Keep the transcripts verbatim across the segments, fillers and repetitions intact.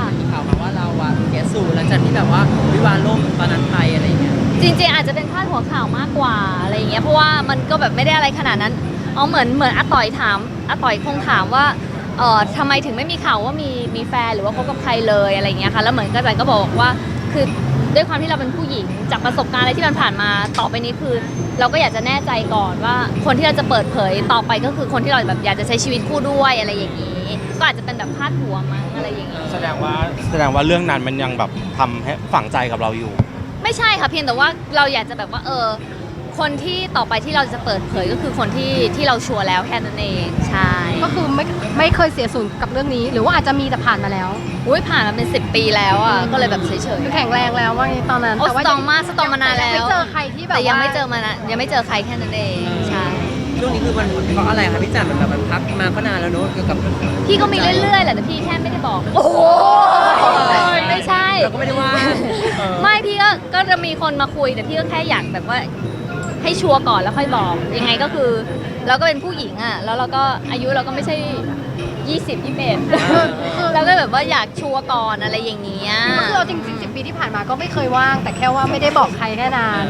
มีข่าวมาว่าเราอะเสียสูญหลังจากที่แบบว่าวิวาห์ล่มตอนนั้นไปอะไรอย่างเงี้ยจริงๆอาจจะเป็นพาดหัวข่าวมากกว่าอะไรอย่างเงี้ยเพราะว่ามันก็แบบไม่ได้อะไรขนาดนั้นอ๋อเหมือนเหมือนอาต่อยถามอาต่อยคงถามว่าเอ่อทำไมถึงไม่มีข่าวว่ามีมีแฟนหรือว่าคบกับใครเลยอะไรอย่างเงี้ยค่ะแล้วเหมือนกันก็บอกว่าคือด้วยความที่เราเป็นผู้หญิงจากประสบการณ์อะไรที่มันผ่านมาต่อไปนี้คือ เราก็อยากจะแน่ใจก่อนว่าคนที่เราจะเปิดเผยต่อไปก็คือคนที่เราแบบอยากจะใช้ชีวิตคู่ด้วยอะไรอย่างนี้ ก็อาจจะเป็นแบบพาดหัวมั้งอะไรอย่างนี้แสดงว่าแสดงว่าเรื่องนั้นมันยังแบบทำให้ฝังใจกับเราอยู่ไม่ใช่ค่ะเพียงแต่ว่าเราอยากจะแบบว่าเออคนที่ต่อไปที่เราจะเปิดเผยก็คือคนที่ที่เราชัวร์แล้วแค่นั้นเองใช่ก็คือไม่ไม่เคยเสียสูญกับเรื่องนี้ หรือว่าอาจจะมีแต่ผ่านมาแล้วอุ้ยผ่านมาเป็นสิบปีแล้วอ่ะก็เลยแบบเฉยๆคือแข็งแรงแล้วว่าตอนนั้นโอ้สตรองมากสตรองมานานแล้วไม่เจอใครที่แบบแต่ยังไม่เจอมานะยังไม่เจอใครแค่นั้นเองใช่ช่วงนี้คือมันเพราะอะไรคะพี่จันเหมือนแบบมันพักมาก็นานแล้วเนอะเกี่ยวกับพี่ก็มีเรื่อยๆแหละแต่พี่แค่ไม่ได้บอกโอ้ไม่ใช่เราก็ไม่ได้ว่าไม่พี่ก็ก็จะมีคนมาคุยแต่พี่ก็แค่อยากแบบว่าให้ชัวร์ก่อนแล้วค่อยบอกยังไงก็คือเราก็เป็นผู้หญิงอ่ะแล้วเราก็อายุเราก็ไม่ใช่ยี่สิบ ยี่สิบเอ็ดแล้วก็แบบว่าอยากชัวร์ก่อนอะไรอย่างเงี้ยก็คือเราจริงๆสิบปีที่ผ่านมาก็ไม่เคยว่างแต่แค่ว่าไม่ได้บอกใครแค่นั้น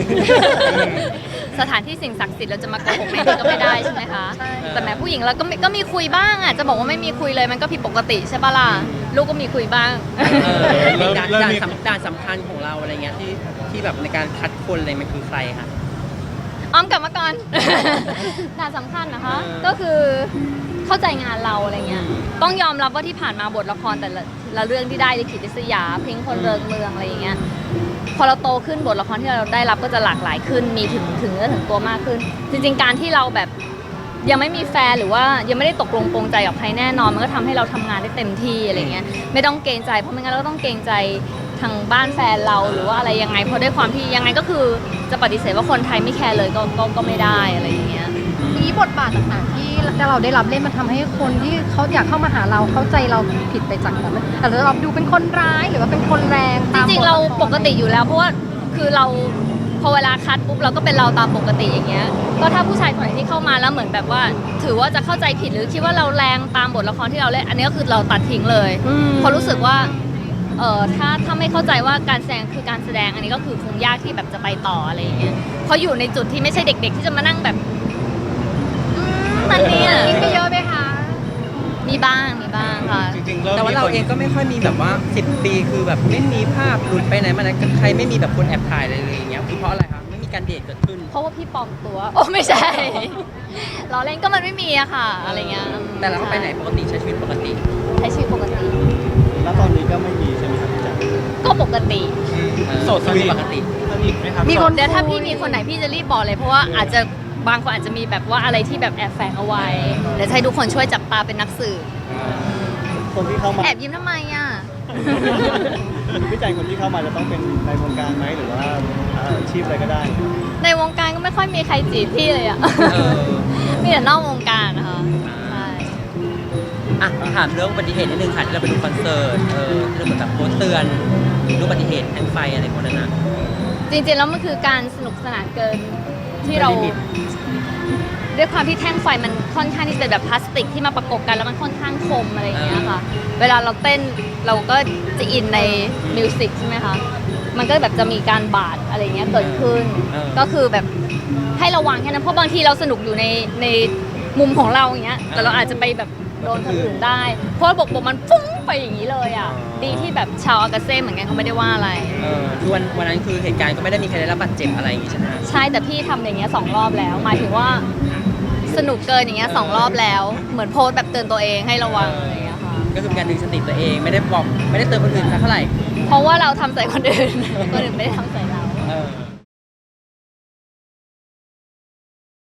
สถานที่สิ่งศักดิ์สิทธิ์เราจะมาโกหกแม่ก็ไม่ได้ใช่ไหมคะแต่แม่ผู้หญิงเราก็ก็มีคุยบ้างอ่ะจะบอกว่าไม่มีคุยเลยมันก็ผิดปกติใช่ปะล่ะลูกก็มีคุยบ้างด่านด่านด่านสำคัญของเราอะไรเงี้ยที่ที่แบบในการคัดคนอะไรมันคือใครคะอ้อมกลับมาก่อนด่านสำคัญนะคะก็คือเข้าใจงานเราอะไรเงี้ยต้องยอมรับว่าที่ผ่านมาบทละครแต่ละละเรื่องที่ได้ลิขิตลิศยาเพ่งคนเริงเมืองอะไรอย่างเงี้ยพอเราโตขึ้นบทละครที่เราได้รับก็จะหลากหลายขึ้นมีถึงถึงเนื้อถึงตัวมากขึ้นจริงๆการที่เราแบบยังไม่มีแฟนหรือว่ายังไม่ได้ตกลงปรงใจกับใครแน่นอนมันก็ทำให้เราทำงานได้เต็มที่อะไรเงี้ยไม่ต้องเกรงใจเพราะไม่งั้นเราก็ต้องเกรงใจทางบ้านแฟนเราหรือว่าอะไรยังไงเพราะด้วยความที่ยังไงก็คือจะปฏิเสธว่าคนไทยไม่แคร์เลยก็ก็ก็ไม่ได้อะไรอย่างเงี้ยนี้บทบาทต่างๆที่เราได้รับเล่นมันทำให้คนที่เขาอยากเข้ามาหาเราเข้าใจเราผิดไปจากนั้นแต่เราดูเป็นคนร้ายหรือว่าเป็นคนแรงจริงๆเราปกติอยู่แล้วเพราะว่าคือเราพอเวลาคัดปุ๊บเราก็เป็นเราตามปกติอย่างเงี้ยก็ถ้าผู้ชายคนไหนที่เข้ามาแล้วเหมือนแบบว่าถือว่าจะเข้าใจผิดหรือคิดว่าเราแรงตามบทละครที่เราเล่นอันนี้ก็คือเราตัดทิ้งเลยเพราะรู้สึกว่าเออถ้าถ้าไม่เข้าใจว่าการแสดงคือการแสดงอันนี้ก็คือคงยากที่แบบจะไปต่ออะไรอย่างเงี้ยเพราะอยู่ในจุดที่ไม่ใช่เด็กๆที่จะมานั่งแบบมันนี่อ่ะมีเยอะไหมคะมีบ้างมีบ้างค่ะแต่ว่าเราเองก็ไม่ค่อยมีแบบว่าสิบปีคือแบบไม่มีภาพหลุดไปไหนมาไหนใครไม่มีแบบคนแอบถ่ายอะไรเลยอย่างเงี้ยคือเพราะอะไรคะไม่มีการเดทเกิดขึ้นเพราะว่าพี่ปลอมตัวโอ้ไม่ใช่เราเล่นก็มันไม่มีอะค่ะอะไรเงี้ยแต่เราก็ไปไหนปกติใช้ชีวิตปกติใช้ชีวิตปกติแล้วตอนนี้ก็ไม่มีใช่ไหมครับพี่จ๋าก็ปกติโสดสนิทปกติสนิทไหมครับมีคนเดี๋ยวถ้าพี่มีคนไหนพี่จะรีบบอกเลยเพราะว่าอาจจะบางคนอาจจะมีแบบว่าอะไรที่แบบแอบแฝงเอาไว้เดี๋ยวให้ทุกคนช่วยจับตาเป็นนักสืบคนที่เข้ามาแอบยิ้มทำไมอ่ะพี่ใจคนที่เข้ามาจะต้องเป็นในวงการไหมหรือว่าอาชีพอะไรก็ได้ในวงการก็ไม่ค่อยมีใครจีบพี่เลยอ่ะมีแต่นอกวงการนะคะใช่อ่ะถามเรื่องอุบัติเหตุนิดนึงค่ะที่เราไปดูคอนเสิร์ตเออที่เราเหมือนแบบโพสต์เตือนอุบัติเหตุแทงไฟอะไรพวกนั้นนะจริงๆแล้วมันคือการสนุกสนานเกินที่เราด้วยความที่แท่งไฟมันค่อนข้างที่จะแบบพลาสติกที่มาประกบกันแล้วมันค่อนข้างคมอะไรอย่างเงี้ยค่ะเวลาเราเต้นเราก็จะอินในมิวสิกใช่ไหมคะมันก็แบบจะมีการบาดอะไรเงี้ยเกิดขึ้นก็คือแบบให้ระวังแค่นั้นเพราะบางทีเราสนุกอยู่ในในมุมของเราอย่างเงี้ยแต่เราอาจจะไปแบบโดนคนอื่นได้เพราะบกบกมันฟุ้งไปอย่างนี้เลยอ่ะดีที่แบบชาวอากาเซ่เหมือนกันเขาไม่ได้ว่าอะไรเออคือวันวันนั้นคือเหตุการณ์ก็ไม่ได้มีใครได้รับบาดเจ็บอะไรอย่างงี้ใช่ไหมใช่แต่พี่ทำอย่างเงี้ยสองรอบแล้วหมายถึงว่าสนุกเกินอย่างเงี้ยสองรอบแล้วเหมือนโพสแบบเตือนตัวเองให้ระวังอะไรอย่างเงี้ยค่ะก็คือการดึงสติตัวเองไม่ได้บอกไม่ได้เตือนคนอื่นสักเท่าไหร่เพราะว่าเราทำใส่คนอื่นคนอื่นไม่ได้ทำใส่เรา